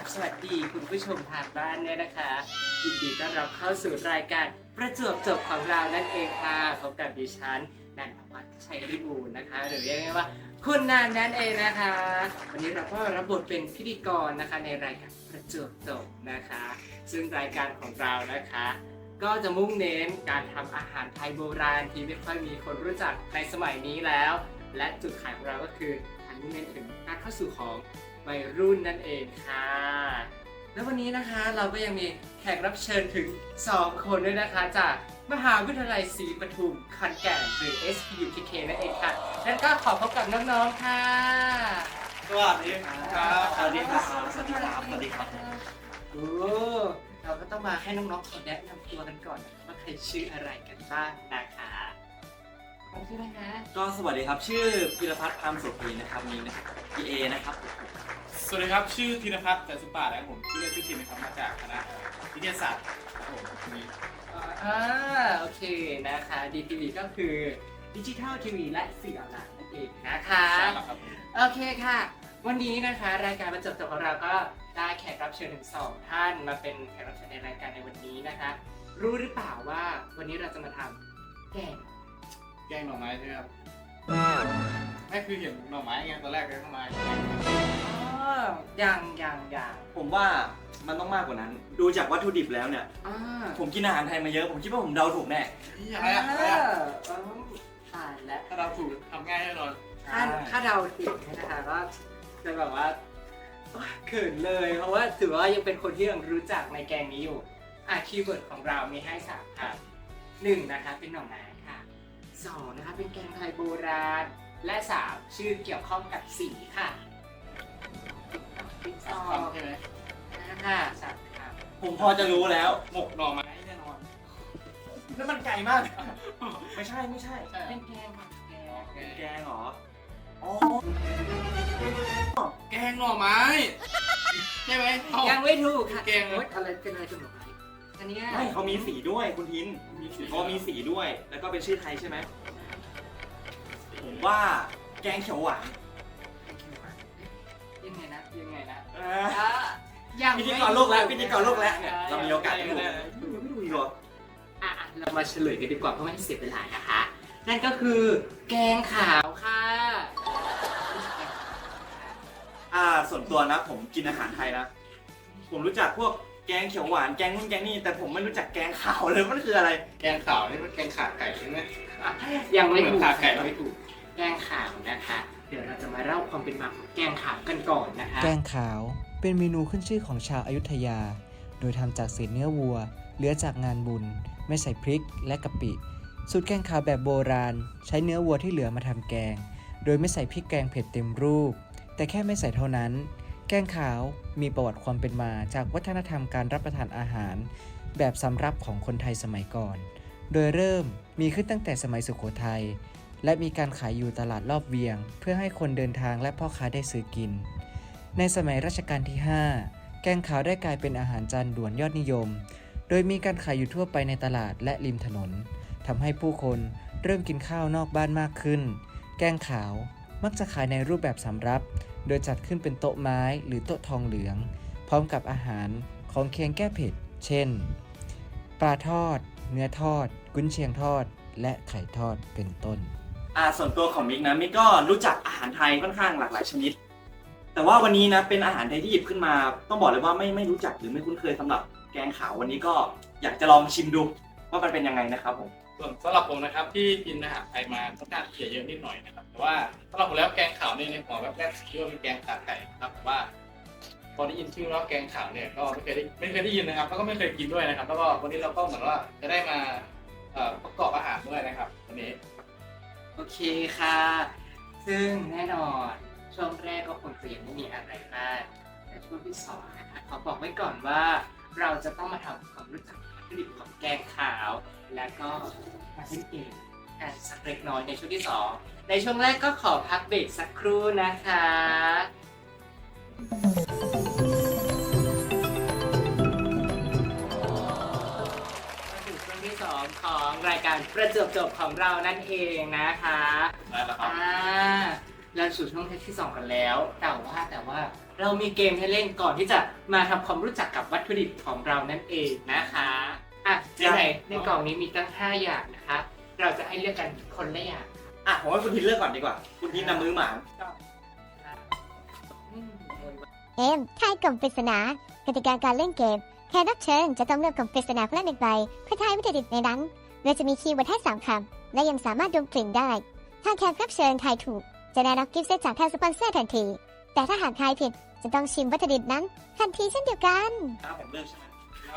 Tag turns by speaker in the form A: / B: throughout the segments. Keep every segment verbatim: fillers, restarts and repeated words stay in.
A: สวัสดีคุณผู้ชมทางบ้านเนี่ยนะคะยินดีต้อนรับเข้าสู่รายการประจวบจบของเรานั่นเองค่ะพบกับดิฉันนันทวัฒน์ชัยริบูรณ์นะคะหรือเรียกง่ายๆว่าคุณนันนั่นเองนะคะวันนี้เราก็รับบทเป็นพิธีกรนะคะในรายการประจวบจบนะคะซึ่งรายการของเรานะคะก็จะมุ่งเน้นการทำอาหารไทยโบราณที่ไม่ค่อยมีคนรู้จักในสมัยนี้แล้วและจุดขายของเราก็คือการมุ่งเน้นถึงการเข้าสู่ของวัยรุ่นนั่นเองค่ะแล้ววันนี้นะคะเราก็ยังมีแขกรับเชิญถึงสองคนด้วยนะคะจากมหาวิทยาลัยศรีปทุมขอนแก่นหรือ เอส พี ยู เค เค นั่นเองค่ะแล้วก็ขอพบกับน้องๆค่ะ
B: สวัสดีครับสวัสดีครับสวัสดีครับสวัสดีครับ
A: โอ้เราก็ต้องมาให้น้องๆขอแนะนำตัวกันก่อนนะคะว่าใครชื่ออะไรกันบ้างนะคะผมชื่ออะไรนะ
B: ก็สวัสดีครับชื่อพิรพัฒน์พามโสภีนะครับมีนะครับพีเอนะครับ
C: สวัสดีครับชื่อธีรพัฒน์จันทร์สุปาและผมชื่อเล่นชื่อทินนะครับมาจากคณะวิทยาศาสตร์ครับผมนี้
A: อ่าโอเคนะคะ ดี ที วี ก็คือดิจิทัลทีวีและสื่อออนไลน์นั่นเองนะคะ
C: ใช่แล้วครับ
A: โอเคค่ะ วันนี้นะคะรายการประจบจบของเราก็ได้แขกรับเชิญถึงสองท่านมาเป็นแขกรับเชิญในรายการในวันนี้นะคะ รู้หรือเปล่าว่าวันนี้เราจะมาทำแกง
C: แกงหน่อไม้ใช่ไหมครับไม่คือเห็นหน่อไม้ไงตอนแรกเลยหน่อไม้
A: อ๋อยังยังยัง
B: ผมว่ามันต้องมากกว่านั้น ดูจากวัตถุดิบแล้วเนี่ย
A: อ่า
B: ผมกินอาหารไทยมาเยอะผมคิดว่าผมเดาถูกแน่
C: นี่อะไรอะอะไรอะ
A: เออตายแล้ว
C: ถ้าเราถูกทำง่ายแน่นอน
A: ถ้าถ้าเดาผิดนะคะก็จะแบบว่าโอ๊ยเขินเลยเพราะว่าถือว่ายังเป็นคนที่ยังรู้จักในแกงนี้อยู่อ่ะคีย์เวิร์ดของเรามีให้สามคำหนึ่งนะคะเป็นหน่อไม้ค่ะสองนะคะเป็นแกงไทยโบราณและสามชื่อเกี่ยวข้องกับสีค่ะติ๊กต๊อก
C: ทำใช่ไหม
A: นะคะสามคำ
B: ผมพอจะรู้แล้ว
C: หมกหน่อไม้แน่นอน
B: แล้วมันไก่มาก ไม่ใช่ไม่ใช่
C: ใช่
A: เป็นแกงค่ะแกง
B: เป็นแกงเหรออ๋อ
C: แกงหน่อไม้ใช่ไหมเอ้า
A: ยังไม่ถูกค่ะ
C: แกงเหรอ
A: โอ๊ยอะไรเป็นอะไรกันหรอไอันเนี้ย
B: ไม่เขามีสีด้วยคุณทิน
C: มีสี
B: เขามีสีด้วยแล้วก็เป็นชื่อไทยใช่ไหมผมว่าแกงเขียวหวาน
A: ยังไงนะยังไงนะ
B: เออ
A: อ่ะยัง
B: พิ
A: ไม่
B: ธีกรโลกแล้วพิธีกรโลกแล้วเนี่ยเรามีโอกาสได้ดูยังไม่ดูอีกเหรอ
A: อ่ะเรามาเฉลยกันดีกว่าเพราะไม่ให้เสียเวลานะคะ นั่นก็คือแกงขาวค่ะ
B: อ่าส่วนตัวนะผมกินอาหารไทยนะผมรู้จักพวกแกงเขียวหวานแกงนู่นแกงนี่แต่ผมไม่รู้จักแกงขาวเลยมันคืออะไร
C: แกงขาวนี่มันแกงขาไก่ใช่ไหม
A: ยังไม่ถูก
C: ขาไก่
A: ยังไม่ถูกแกงขาวนะคะ เดี๋ยวเราจะมาเล่าความเป็นมาของแกงขาวกันก่อนนะคะ
D: แกงขาวเป็นเมนูขึ้นชื่อของชาวอยุธยา โดยทำจากเศษเนื้อวัว เหลือจากงานบุญ ไม่ใส่พริกและกะปิ สูตรแกงขาวแบบโบราณ ใช้เนื้อวัวที่เหลือมาทำแกง โดยไม่ใส่พริกแกงเผ็ดเต็มรูป แต่แค่ไม่ใส่เท่านั้น แกงขาวมีประวัติความเป็นมาจากวัฒนธรรมการรับประทานอาหาร แบบสำรับของคนไทยสมัยก่อน โดยเริ่มมีขึ้นตั้งแต่สมัยสุโขทัย และมีการขายอยู่ตลาดรอบเวียง เพื่อให้คนเดินทางและพ่อค้าได้ซื้อกิน ในสมัยรัชกาลที่ ห้า แกงขาวได้กลายเป็นอาหารจานด่วนยอดนิยม โดยมีการขายอยู่ทั่วไปในตลาดและริมถนนทำให้ผู้คนเริ่มกินข้าวนอกบ้านมากขึ้น แกงขาวมักจะขายในรูปแบบสำรับ โดยจัดขึ้นเป็นโต๊ะไม้หรือโต๊ะทองเหลือง พร้อมกับอาหารของเคียงแก้เผ็ด เช่น ปลาทอด เนื้อทอด กุนเชียงทอด และไข่ทอดเป็นต้น
B: อ่าส่วนตัวของมิกนะมิกก็รู้จักอาหารไทยค่อนข้างหลากหลายชนิด แต่ว่าวันนี้นะเป็นอาหารไทยที่หยิบขึ้นมา ต้องบอกเลยว่าไม่ไม่รู้จักหรือไม่คุ้นเคยสำหรับแกงขาววันนี้ก็อยากจะลองชิมดูว่ามันเป็นยังไงนะครับผม
C: ส่วนสำหรับผมนะครับที่กินอาหารไทยมาค่อนข้างที่จะเยอะนิดหน่อยนะครับแต่ว่าสำหรับผมแล้วแกงขาวเนี่ยในหัวแบบแรกคิดว่าเป็นแกงขาไก่นะครับแต่ว่าพอได้ยินชื่อว่าแกงขาวเนี่ยก็ไม่เคยได้ไม่เคยได้ยินนะครับแล้วก็ไม่เคยกินด้วยนะครับแล้วก็วันนี้เราก็เหมือนว่าจะได้มาเอ่อประกอบอาหารด้วยนะครับวันนี้
A: โอเคค่ะ ซึ่งแน่นอนช่วงแรกก็คงจะยังไม่มีอะไรมากแต่ช่วงที่สองนะคะขอบอกไว้ก่อนว่าเราจะต้องมาทำความรู้จักวัตถุดิบของแกงขาว แล้วก็มาเล่นเกมกันสักเล็กน้อยในช่วงที่สองในช่วงแรกก็ขอพักเบรกสักครู่นะคะมาถึงช่วงที่สองของรายการประจวบจบของเรานั่นเองนะคะ
C: ได้แล้วครับ
A: อ่าเราสู่ช่วงเทปที่สองกันแล้ว แต่ว่าแต่ว่าเรามีเกมให้เล่นก่อนที่จะมาทำความรู้จักกับวัตถุดิบของเรานั่นเองนะคะอ่ะไหนๆในกล่องนี้มีตั้งห้าอย่างนะคะ เราจะให้เลือกกันคนละอย่าง
B: อ่ะผมว่าคุณทินเลือกก่อนดีกว่า คุณทินนำมือหมาน
A: อืม
E: เกมทายกล่องปริศนากติกาการเล่นเกมแขกรับเชิญจะต้องเลือกกล่องปริศนาคนละหนึ่งใบเพื่อทายวัตถุดิบในนั้นโดยจะมีคีย์เวิร์ดให้สามคำและยังสามารถดมกลิ่นได้ ถ้าแขกรับเชิญทายถูก จะได้รับกิฟต์เซตจากทางสปอนเซอร์ทันที แต่ถ้าหากทายผิดจะต้องชิมวัตถุดิบนั้นทันทีเช่นเดียวกัน
B: ถ้าผมเลือกใช่ไหม
C: แล้ว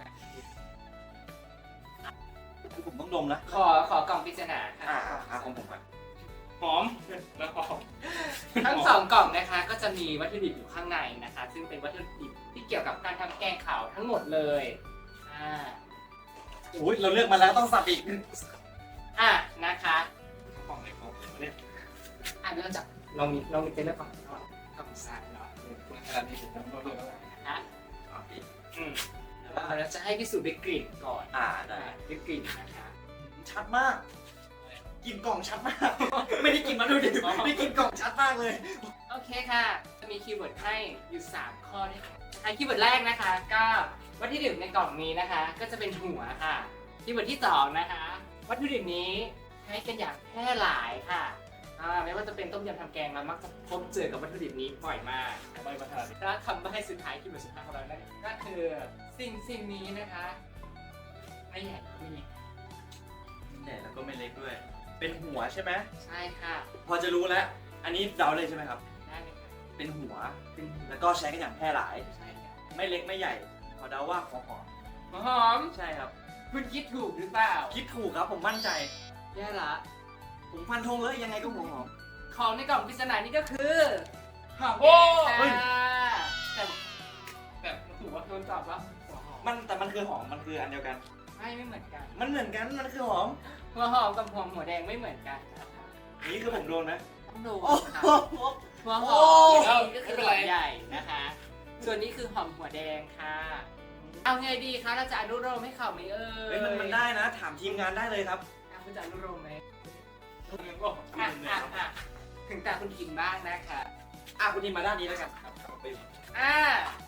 B: คือผมต้องดมนะ
A: ขอขอกล่องปริศนาค่ะ
B: อ่าอ่าของผมก่อน
C: หอมแล้วหอม
A: ทั้งสองกล่องนะคะก็จะมีวัตถุดิบอยู่ข้างในนะคะ ซึ่งเป็นวัตถุดิบที่เกี่ยวกับการทำแกงขาวทั้งหมดเลยอ่า
B: โอ้ยเราเลือกมาแล้วต้องสับอีก
A: อ่ะนะคะ
C: ของในของเนี่ย
A: อ่ะเริ่มจากลองมีลองมีเป็นเรื่องของก่อนกล่องซ้ายเนาะ
C: ขนาดนี้ผมต้องเลือกอะไร
A: นะ
B: อืม
A: เราจะให้พิสูจน์ด้วยกลิ่นก่อน
B: อ่าได้
A: อ่ะด้วยกลิ่นนะคะ
B: ชัดมาก กินกล่องชัดมาก ไม่ได้กินมาดูดิได้กินกล่องชัดมากเลย
A: โอเคค่ะ จะมีคีย์เวิร์ดให้อยู่สามข้อด้วยกันอ่ะคีย์เวิร์ดแรกนะคะ ก็วัตถุดิบในกล่องนี้นะคะ ก็จะเป็นหัวค่ะคีย์เวิร์ดที่สองนะคะ วัตถุดิบนี้ใช้กันอย่างแพร่หลายค่ะอ่าไม่ว่าจะเป็นต้มยำทำแกงเรามักจะพบเจอกับวัตถุดิบนี้บ่อยมาก
C: ใบมาขนาดนี้
A: แล้วคำใบ้สุดท้ายคีย์เวิร์ดสุดท้ายของเรานั่นก็คือสิ่งสิ่งนี้นะคะไม่ใหญ่ไม่เล็ก
B: ใหญ่แล้วก็ไม่เล็กด้วย เป็นหัวใช่ไหม
A: ใช่ค่ะ
B: พอจะรู้แล้ว อันนี้เดาเลยใช่ไหมครับ
A: ได้เลยค่ะ
B: เป็นหัว
A: เป็น
B: แล้วก็ใช้กันอย่างแพร่หลาย
A: ใช่ค่ะ
B: ไม่เล็กไม่ใหญ่ ขอเดาว่าของหอม
A: หัวหอม
B: ใช่ครับ
A: คุณคิดถูกหรือเปล่า
B: คิดถูกครับผมมั่นใจ
A: แย่ละ
B: ผมฟันธงเลยยังไงก็หัวหอม
A: ของในกล่องปริศนานี้ก็คือหอม
B: โอ้
A: แดง
B: เฮ้ย
A: ค่ะแต่
C: แต่ถูกว่า
A: โดนตอบว่าหัวหอม
B: มันแต่มันคือหอม มันคืออันเดียวกัน
A: ไม่ไม่เหมือนกัน
B: มันเหมือนกัน มันคือหอม
A: หัวหอมกับหัวหัวแดงไม่เหมือนกันนะคะ
B: นี่คือผมโดนไหม
A: ต้องดู
B: โอ้
A: ค่ะ
B: โห
A: หัวห
B: โอ้
A: อมก็คือหัวใหญ่นะคะ ส่วนนี้คือหอมหัวแดงค่ะ เอาไงดีคะเราจะอนุโลมให้เขาไหมเอ่ย
B: เฮ้ยมันมันได้นะ ถามทีมงานได้เลยครับ
A: อ่ะคุณจะอนุโลมไหม
C: คุณยังก็
A: อ่ะอ่ะอ่ะถึงตาคุณคิมบ้างนะคะ
B: อ่ะคุณทีมมาด้านนี้แล้วกันครับไป
A: อ่า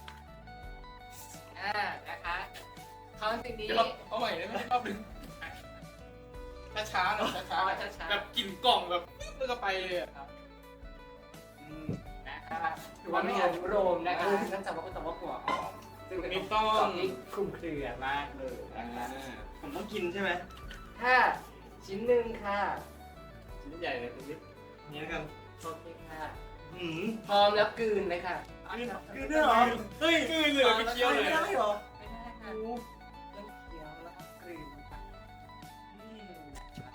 A: อ่านะคะเขาสิ่งนี้
C: เดี๋ยวเราเอาใหม่ได้ไหมรอบหนึ่งช้าๆหน่อยช้า
A: เอาช้า
C: ๆแบบกลิ่นกล่องแบบแล้วก็ไปเลยอะครับ
A: ๆอืมนะคะถือว่าไม่อนุโลมนะคะเนื่องจากว่าเป็นตัวว่าหัวหอมซึ่งเป็นของที่คลุมเครือมากเลยนะคะ
B: ผมต้องกินใช่ไหม
A: ถ้าชิ้นหนึ่งค่ะ
C: ชิ้นใหญ่เลยคุณนิด
B: นี่แล้วกัน
A: โอเคค่ะ
B: หืม
A: พร้อมแล้วกลืนเลยค่ะ
B: กินด้วยเหรอ เฮ้ย
C: กลืนเลยไปเคี้ยวเลย
B: ไม่ได้เหรอ
A: ไม่ได้ค่ะเริ่มเคี้ยวแล้วก็กลืนค่ะอืม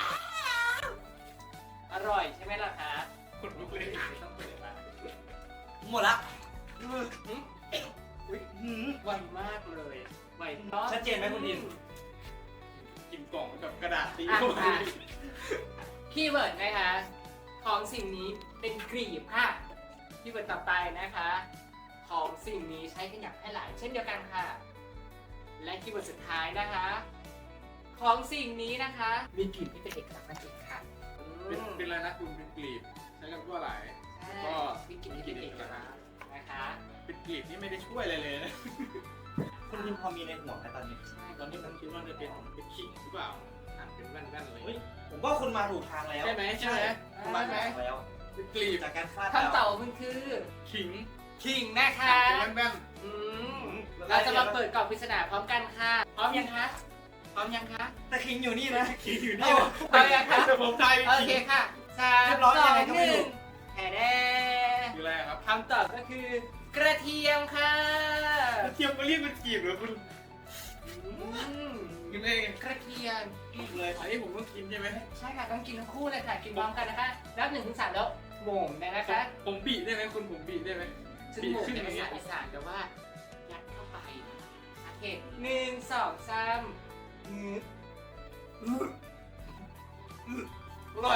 A: อร่อยใช่ไหมล่ะคะ
C: ขนลุกเลย
A: ไม่ต้องเปิดมา
B: หมดละ
A: หืมอุ้ย
B: หืม
A: ไวมากเลยไวเนาะ
B: ชัดเจนไหมคุณดิน
C: กลิ่นกล่องกับกระดาษตี
A: อ่ะ
C: เข้าไป
A: อ่ะคีย์เวิร์ดนะคะ ของสิ่งนี้เป็นกรีบค่ะคีย์เวิร์ดต่อไปนะคะ ของสิ่งนี้ใช้กันอย่างแพร่หลายเช่นเดียวกันค่ะ และคีย์เวิร์ดสุดท้ายนะคะ ของสิ่งนี้นะคะ มีกลิ่นที่เป็นเอกลักษณ์นั่นเองค่ะอื
C: เป็น
A: ม
C: เป็นอะไรนะคุณเป็นกลีบใช้กันทั่วหลาย
A: ใช่
C: ก็
A: มีกลิ่นที่เป็นเอกลักษณ์นะคะ
C: เป็นกลีบที่ไม่ได้ช่วยอะไรเลยนะ
B: คุณดินพอมีในหัวไหมตอนนี้
A: ใช่
C: ตอนนี้ผมคิดว่าจะเป็นเป็นขิงหรือเปล่าหั่นเป็นแว่นๆเลย
B: เฮ้ย ผมว่าคุณมาถูกทางแล้ว
C: ใช่ไหมใช่ไหม
B: คุณมาถูกทางแล้ว
C: เป็นกลีบ
B: จากการคาด
A: คำตอบมันคือ
C: ขิง
A: ขิงนะคะ
C: เป็นแว่น
A: อืมเราจะมาเปิดกล่องปริศนาพร้อมกันค่ะ พร้อมยังคะ พร้อมยังคะ
B: แต่คิงอยู่นี่นะ
C: ๆขิงอยู่
A: เอา
C: นี่
A: พร้อมยังคะ
C: แต่ผมทาย
A: โอ
C: ขิง
A: เคค่ะสาม
B: เรียบ
A: ส
B: ร้
A: อ
B: อยยังไง
A: ง
B: ก็
A: ห
B: ไม่
A: นึ่
B: รู้
A: งแห่แด
C: คืออะไรครับ
A: คำตอบก็คือกระเทียมค่ะ
C: เทียมก็เรียกเป็นกลีบเหรอคุณ
A: อืม
C: กินเอง
A: กระเทียม
C: เลย อันนี้ผมต้องกินใช่ไหม
A: ใช่ค่ะต้องกินทั้งคู่เลยค่ะ กินพร้อมกันนะคะนับหนึ่งถึงสามแล้วโหม่งเลยนะคะ
C: ผมบีได้ไหมคุณผมบีได้ไหม
A: ซึ่งโหม่งเป็นภาษาอีสานแปลว่ายัดเข้าไปโอเคหนึ่งสองสามงืบ
C: อร่อย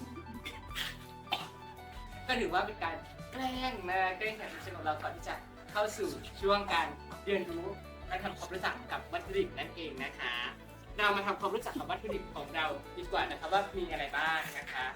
A: ก็ถือว่าเป็นการแกล้งนะแกล้งแขกรับเชิญของเราก่อนที่จะเข้าสู่ช่วงการเรียนรู้และทำความรู้จักกับวัตถุดิบนั่นเองนะคะ เรามาทำความรู้จักกับวัตถุดิบของเราดีกว่านะคะว่ามีอะไรบ้างนะคะ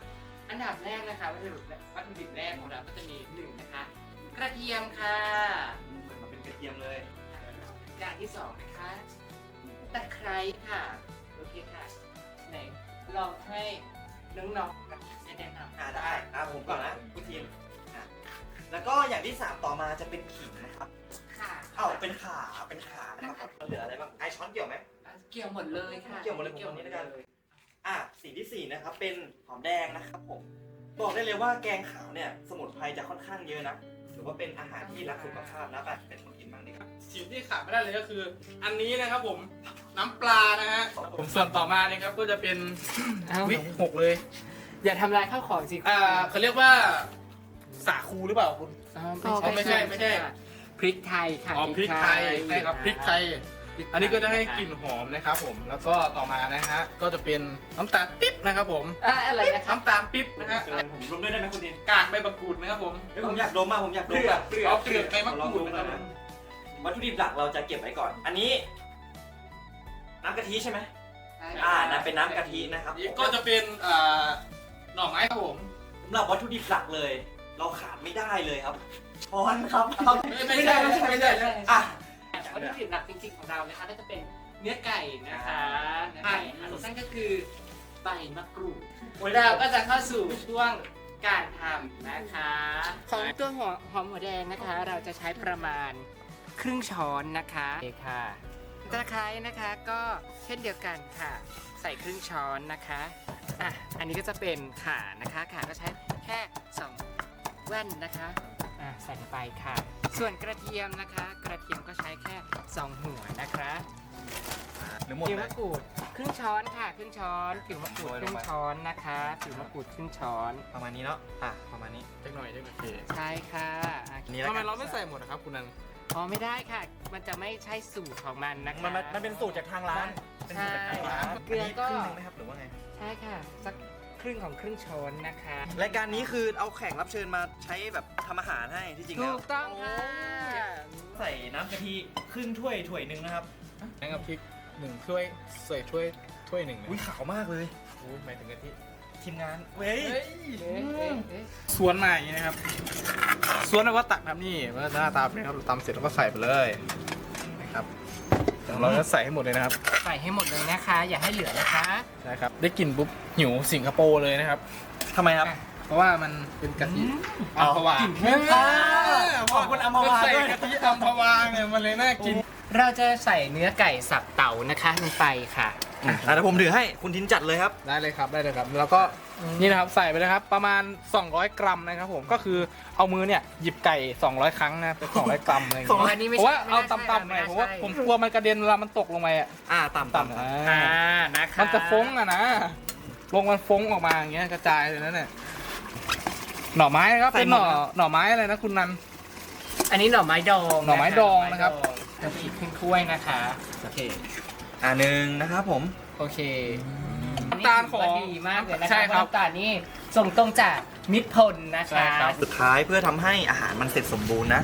A: อันดับแรกนะคะวัตถุดิบวัตถุดิบแรกของเราก็จะมีหนึ่งนะคะกระเทียมค่ะ
B: เหมือนมาเป็นกระเทียมเลย
A: อย่างที่สองนะคะตะไคร้ค่ะโอเคค่ะไหนลองให้น้องๆกับแนะนำ
B: อ่าได้อ่าผมก่อนนะคุณทีมอ่ะแล้วก็อย่างที่สามต่อมาจะเป็นขิงนะครับ
A: ค่ะ
B: เอ้าเป็นขาเป็นขานะครับเหลืออะไรบ้างไอช้อนเกี่ยวไหม
A: เกี่ยวหมดเลยค่ะ
B: เกี่ยวหมดเลยผมคนนี้แล้วกัน อ่ะสิ่งที่สี่นะครับเป็นหอมแดงนะครับผมบอกได้เลยว่าแกงขาวเนี่ยสมุนไพรจะค่อนข้างเยอะนะถือว่าเป็นอาหารที่รักสุขภาพนะแบบเป็นคนกินบ้างดีครับ
C: สิ่งที่ขาดไม่ได้เลยก็คือ อันนี้นะครับผมน้ำปลานะฮะผมส่วนต่อมาเนี่ยครับก็จะเป็น
A: เอ้า
C: วิกหกเลย
A: อย่าทำลายข้าวของสิ
C: อ่าเขาเรียกว่าสาคูหรือเปล่าคุณ
A: อ๋อ
C: อ๋อไม่ใช่ไม่ใช่
A: พริกไทยค่ะ
C: อ๋อพริกไทยใช่ครับพริกไทย อันนี้ก็จะให้กลิ่นหอมนะครับผมแล้วก็ต่อมานะฮะก็จะเป็นน้ำตาลปิ๊บนะครับผม
A: อ่ะอะไรนะครับ
C: น้ำตาลปิ๊บนะฮะ
B: เกินผมรวมด้วยได้ไหมคุณดิน
C: กากใบมะกรูดนะครับผม
B: เฮ้ยผมอยากดมมากผมอยากด
C: เป
B: ม
C: ลือก
B: อะ
C: เปลือกเปลือกใบมะ
B: ลอง
C: กรู
B: ดู
C: ด
B: กั
C: นะ
B: น
C: ครับ
B: นะวัตถุดิบหลักเราจะเก็บไว้ก่อน อันนี้ น้ำกะทิใช่ไหมอ่านั่นเป็นน้ำกะทินะครับ
C: นี่ก็จะเป็นอ่าหน่อไม้ครับผม
B: สำหรับวัตถุดิบหลักเลย เราขาดไม่ได้เลยครับช้อนครับ
C: ไม่ใช่ไม่ใช่ไม่ใช่
B: อ่ะ
A: วัตถุดิบหลักจริงๆของเรานะคะก็จะเป็นเนื้อไก่นะคะเนื้อไก่ค่ะนั่นก็คือใบมะกรูดเราก็จะเข้าสู่ช่วงการทำนะคะ ของตัวหัวหอมหัวแดงนะคะ เราจะใช้ประมาณครึ่งช้อนนะคะโอเคค่ะตะไคร้นะคะก็เช่นเดียวกันค่ะ ใส่ครึ่งช้อนนะคะอ่ะอันนี้ก็จะเป็นข่านะคะข่าก็ใช้แค่สองแว่นนะคะอ่ะใส่ลงไปค่ะ ส่วนกระเทียมนะคะ กระเทียมก็ใช้แค่สองหัวนะคะ
B: หรือหมด
A: ผิว
B: เล
A: มะ
B: ย
A: กรูดครึ่งช้อนค่ะครึ่งช้อนผิวมะกรูดครึ่งช้อนนะคะผิวมะกรูดครึ่งช้อน
B: ประมาณนี้เนาะอ่ะประมาณนี้
C: เล็กหน่อยเล็กหน่อย
A: ใช่ค่ะอ่ะ
B: นี่แล้ว
C: ทำไม
B: กัน
C: เราไม่ใส่หมดนะครับคุณนัน
A: อ๋อไม่ได้ค่ะ มันจะไม่ใช่สูตรของมันนะคะ
B: มันมันมันเป็นสูตรจากทางร้านเป็นสูตรจากทางร้าน
A: ใช่เกลือก็
B: นนี้ครึ่งหนึงไหมครับหรือว่าไง
A: ใช่ค่ะสักครึ่งของครึ่งช้อนนะคะ
B: รายการนี้คือเอาแขกรับเชิญมาใช้แบบทำอาหารให้ที่จริงแล้
A: ถู
B: ว
A: กต้องค่ะ
B: ใส่น้ำกะทิครึ่งถ้วยถ้วยหนึ่งนะครับ
C: นั่งกับพริกหนึ่งถ้วยใส่ถ้วยถ้วยหนึ่งนะ
B: อุ้ยขาวมากเลย
C: โอ้หมายถึงกะทิ
B: ทีมงานเว้ย
A: เอ๊ะเอ๊ะเอ๊ะ
C: สวนมาอย่างนี้นะครับสวนแล้วก็ตักน้ำนี่มันก็หน้าตาเป็นครับเราตำเสร็จแล้วก็ใส่ไปเลยนะครับเดี๋ยวเราจะใส่ให้หมดเลยนะครับ
A: ใส่ให้หมดเลยนะคะ อย่าให้เหลือนะคะ
C: นะครับได้กลิ่นปุ๊บหิวสิงคโปร์เลยนะครับ
B: ทำไมครับ
C: เพราะว่ามันเป็นกะทิ
B: อ๋
C: อั
B: อ
C: มพวา
B: อ่าขอบคุณอัมพวา
C: ใส่
B: ด้วย
C: กะทิอัมพวาเนี่ยมันเลยน่ากิน
A: เราจะใส่เนื้อไก่สับเต่านะคะลงไปค่ะ
B: อ่ะเดี๋ยวผมถือให้คุณทินจัดเลยครับ
C: ได้เลยครับได้เลยครับแล้วก็นี่นะครับใส่ไปเลยครับประมาณสองร้อยกรัมนะครับผมก็คือเอามือเนี่ยหยิบไก่สองร้อยครั้งนะเป็นสองร้อยกรัมอะไรอย่าง
B: สองร้อย
C: เงี้ย
A: อันนี้ไม่
C: เพราะ
A: ใช่
C: ว่าเอา
A: ไม่น่าใช่
C: ต่ำๆหน่อย
A: ไม่น่า
C: เพราะว่า
A: ใช่
C: ผมกลัวมันกระเด็นเวลามันตกลงไปอ่ะ
B: อ่าต่ำ
C: ต่ำ
B: ๆ
C: ๆ
B: ครับ
A: อ่า
C: อ่า
A: นะคะ
C: มันจะฟ้งอ่ะนะลงมันฟ้งออกมาอย่างเงี้ยกระจายเลยนะเนี่ยหน่อไม้นะครับเป็นหน่อหน่อไม้อะไรนะคุณนัน
A: อันนี้หน่อไม้ดอง
C: หน่อไม้ดองนะครับ
A: กะทิขึ้นถ้วยนะคะโอเค
B: อ่าหนึ่งนะครับผม
A: โอเค
C: น้ำตาลของ
A: นนี้ถืว่าดีมากเลยนะคะ
C: ใช่ครับ
A: เพาะน้ำตาลนี่ส่งตรงจากมิตรพลนะ
C: ใช่
A: คะ
C: ครับ
B: สุดท้ายเพื่อทำให้อาหารมันเสร็จสมบูรณ์นะ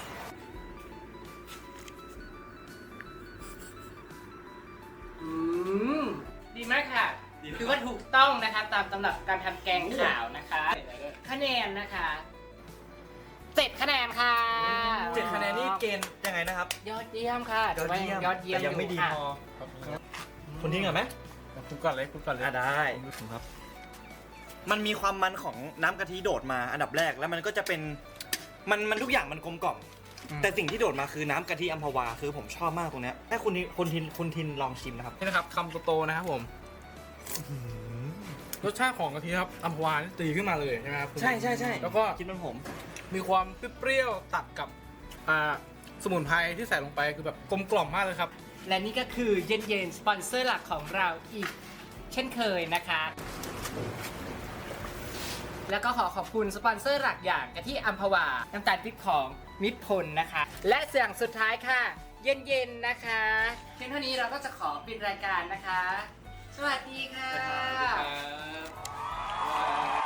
A: อืมดีมากค่ะคือว่าถูกต้องนะคะตามตำรับการทำแกงขาวนะคะ คะแนนนะคะเจ็ดคะแนนค่ะ
B: เจ็ดคะแนนนี่เกณฑ์ยังไงนะครับ
A: ยอดเยี่ยมค่ะแต่ว่ายังยอดเยี่ยม
B: แต่ยังไม่ดี
A: ค่ะ
B: พอ คุณทิ้งก่อนไหม
C: คุณก่อนเลยคุณก่อนเลย
B: อ่าได้ครับ มันมีความมันของน้ำกะทิโดดมาอันดับแรกแล้วมันก็จะเป็นมันมันทุกอย่างมันกลมกล่อม แต่สิ่งที่โดดมาคือน้ำกะทิอัมพวาคือผมชอบมากตรงเนี้ยให้คุณทินคุณทินคุณทินลองชิมนะครับ
C: นี่นะครับคำโตๆนะครับผมรสชาติของกะทิครับอัมพวานี่ตีขึ้นมาเลยใช่ไหมครับคุณ
B: ใช่ใช่ใช่
C: แล้วก็
B: คิดเป็นผม
C: มีความเปรี้ยวๆตัดกับอ่าสมุนไพรที่ใส่ลงไปคือแบบกลมกล่อมมากเลยครับ
A: และนี่ก็คือเย็นเย็นๆสปอนเซอร์หลักของเราอีกเช่นเคยนะคะ แล้วก็ขอขอบคุณสปอนเซอร์หลักอย่างกะทิอัมพวา น้ำตาลพริกของมิตรพลนะคะ และเสียงสุดท้ายค่ะ เย็นเย็นๆนะคะเพียงเท่านี้เราก็จะขอปิดรายการนะคะ สวัสดีค่ะ
C: ครับ